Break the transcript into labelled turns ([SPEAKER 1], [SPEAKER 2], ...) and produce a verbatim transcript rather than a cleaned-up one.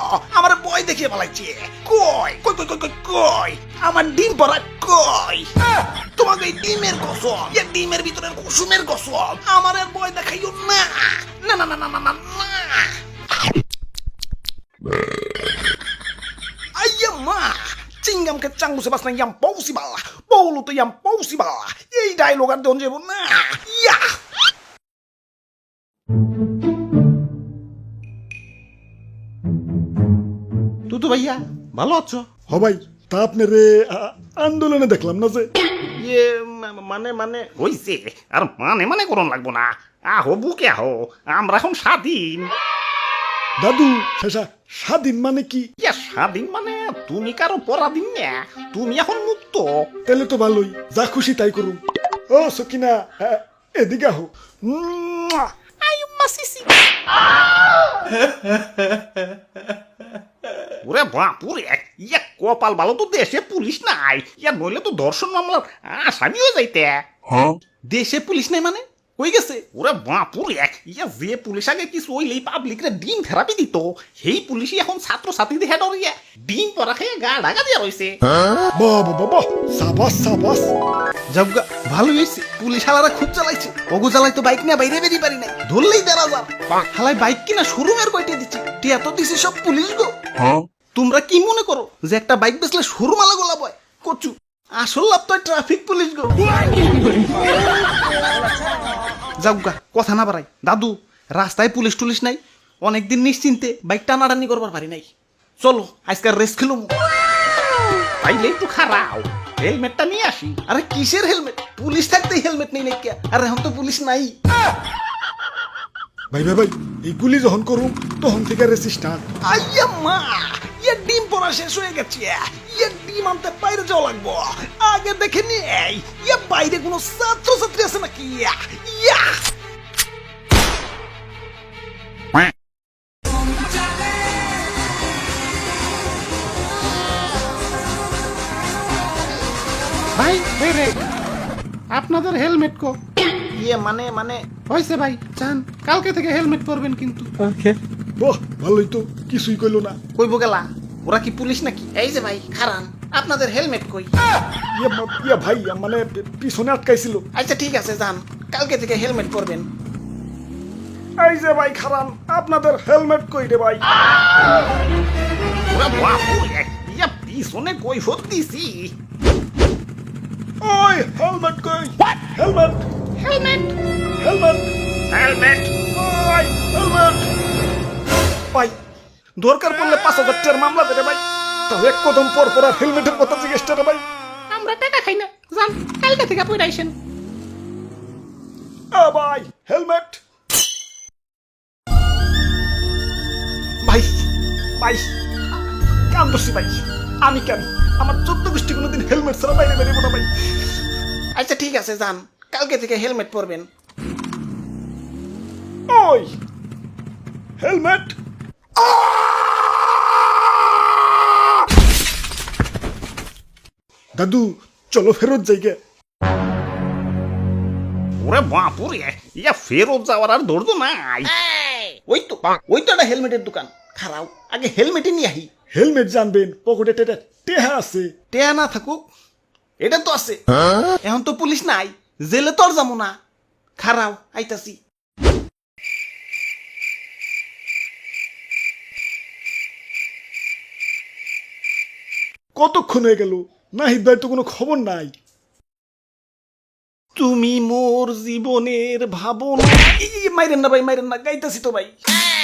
[SPEAKER 1] আমার বই দেখিয়ে পালাইছে। কই কই কই কই কই কই আমার ডিম পড়া কই? তোমাকে এই ডিমের কসম, এই ডিমের ভিতরের কুসুমের কসম, আমার আর বই দেখাইও না। না না না না না না না। Ayam mah, cinggam ke canggu sebas na yang possible, bolu to yang possible. এই ডায়লগ আর দন যাব না। ইয়া
[SPEAKER 2] তুতু ভাইয়া ভালো আছো?
[SPEAKER 3] হ ভাই, তা আপনারে আ- আন্দোলনে দেখলাম না যে।
[SPEAKER 1] ইয়ে মা- মানে মানে হইছে আর মানে মানে করন লাগবো না। আহো বুকে আহো, আমরা এখন স্বাধীন।
[SPEAKER 3] দাদু শেষা স্বাধীন মানে কি?
[SPEAKER 1] ইয়া স্বাধীন মানে তুমি কারো পরাধীন না, তুমি এখন মুক্ত।
[SPEAKER 3] তাহলে তো ভালোই, যা খুশি তাই করুন। ও সকিনা, আ, এদিকে আহো।
[SPEAKER 1] মুয়া! আয়ু মাসিসি। ওরে বাপুরে, ইয়া কপাল ভালো তো দেশে পুলিশ নাই, ইয়া নইলে তো ধর্ষণ মামলার আসামি হয়ে যাইতে।
[SPEAKER 2] দেশে পুলিশ নাই মানে কই গেছে?
[SPEAKER 1] ওরে বাপুরে, ইয়া যে পুলিশ আগে কিছু হইলেই পাবলিকরে ডিম থেরাপি দিত, সেই পুলিশই এখন ছাত্র ছাত্রীদের হেড হইয়া ডিম পরা খেয়ে গা ঢাকা দিয়া রইছে।
[SPEAKER 3] বাবা বাবা, সাবাস সাবাস।
[SPEAKER 2] যাবগা ভালো হয়েছে, পুলিশ হালারা খুব চালাইছে। ওগো চালাই তো বাইক নিয়ে বাইরে বেরিয়ে পারি নাই, ধরলেই দেড় হাজার। হালাই বাইক কিনা শোরুমের কয়টা দিচ্ছে, টিয়া তো দিছে সব পুলিশ গো। তোমরা কি মনে করো যে একটা বাইক বেচলে শোরুম আলা গোলা বয়? কচু আসল লাভ তো ট্রাফিক পুলিশ গো। যাবগা কথা না বাড়াই, দাদু রাস্তায় পুলিশ টুলিশ নাই, অনেকদিন নিশ্চিন্তে বাইক টানাটানি করবার পারি নাই। চলো আজকাল রেস্ট খেলুম।
[SPEAKER 1] তাইলে একটু খারাও, হেলমেটটা নিয়ে আসি।
[SPEAKER 2] আরে কিসের হেলমেট? পুলিশ থাকতেই হেলমেট নেই নাকি? আর এখন তো পুলিশ নাই।
[SPEAKER 3] ভাই ভাই ভাই, এইগুলি যখন করুম তখন থেকে রেসি স্টার্ট।
[SPEAKER 1] আইয়া মা, ইয়া ডিম পড়া শেষ হয়ে গেছে, ইয়া ডিম আনতে বাইরে যাওয়া লাগবো। আগে দেখে নেই ইয়া বাইরে কোনো ছাত্র ছাত্রী আছে নাকি। ইয়া ইয়া
[SPEAKER 2] ভাই বেরে আপনাদের হেলমেট কো?
[SPEAKER 1] ইয়ে মানে মানে
[SPEAKER 2] হয়েছে ভাই, চান কালকে থেকে হেলমেট পরবেন কিন্তু।
[SPEAKER 3] বাহ, ভালোই তো, কিছুই কইলো না।
[SPEAKER 1] কইব গেলা, ওরা কি পুলিশ নাকি? এই যে ভাই খারান, আপনাদের হেলমেট কই?
[SPEAKER 3] ইয়া মা- ইয়া ভাই, মানে পিছনে আটকাইছিল।
[SPEAKER 1] আচ্ছা ঠিক আছে, যান কালকে থেকে হেলমেট পরবেন।
[SPEAKER 3] এই যে ভাই খারান, আপনাদের হেলমেট কই রে ভাই?
[SPEAKER 1] ওরা বাপুরে, ইয়া পিছনে কই ফোট দিছি।
[SPEAKER 3] ওই হেলমেট কই? হেলমেট
[SPEAKER 1] হেলমেট
[SPEAKER 3] হেলমেট
[SPEAKER 1] হেলমেট
[SPEAKER 3] ওই হেলমেট।
[SPEAKER 1] ভাই দরকার পড়লে পাঁচ হাজার টাকার মামলা দেবে ভাই।
[SPEAKER 3] তাও এক কদম পর পর আর হেলমেটের কথা জিজ্ঞেস রে ভাই।
[SPEAKER 1] আমরা টাকা খাই না, যান কালকে থেকে পড়ে আইসেন।
[SPEAKER 3] আ ভাই হেলমেট।
[SPEAKER 1] ভাই ভাই কাম দোষী ভাই, আমি কেন?
[SPEAKER 3] আমার চোদ্দ গোষ্ঠী কোনোদিন হেলমেট ছাড়া বাইরে বেরিয়ে না ভাই।
[SPEAKER 1] আচ্ছা ঠিক আছে, যান কালকে থেকে হেলমেট পরবেন।
[SPEAKER 3] ওই হেলমেট। দাদু চলো ফেরত যাইগে।
[SPEAKER 1] ওরে বাপুরে, ইয়া ফেরত যাওয়ার আর ধৈর্য নাই। ওই তো ওই তো একটা হেলমেটের দোকান, খারাও আগে হেলমেটে নিয়ে আহি।
[SPEAKER 3] হেলমেট জানবেন, পকেটে টেটা টেহা আছে।
[SPEAKER 2] টেয়া না থাকুক, এটা তো আছে। এখন তো পুলিশ নাই, জেলে তো আর যাবো না। খারাও আইতাছি।
[SPEAKER 3] কতক্ষণ হয়ে গেল, নাহিদ ভাই তো কোনো খবর নাই।
[SPEAKER 2] তুমি মোর জীবনের ভাবনা। এই, এই, মাইরেন না ভাই, মাইরেন না, গাইতাছি তো ভাই।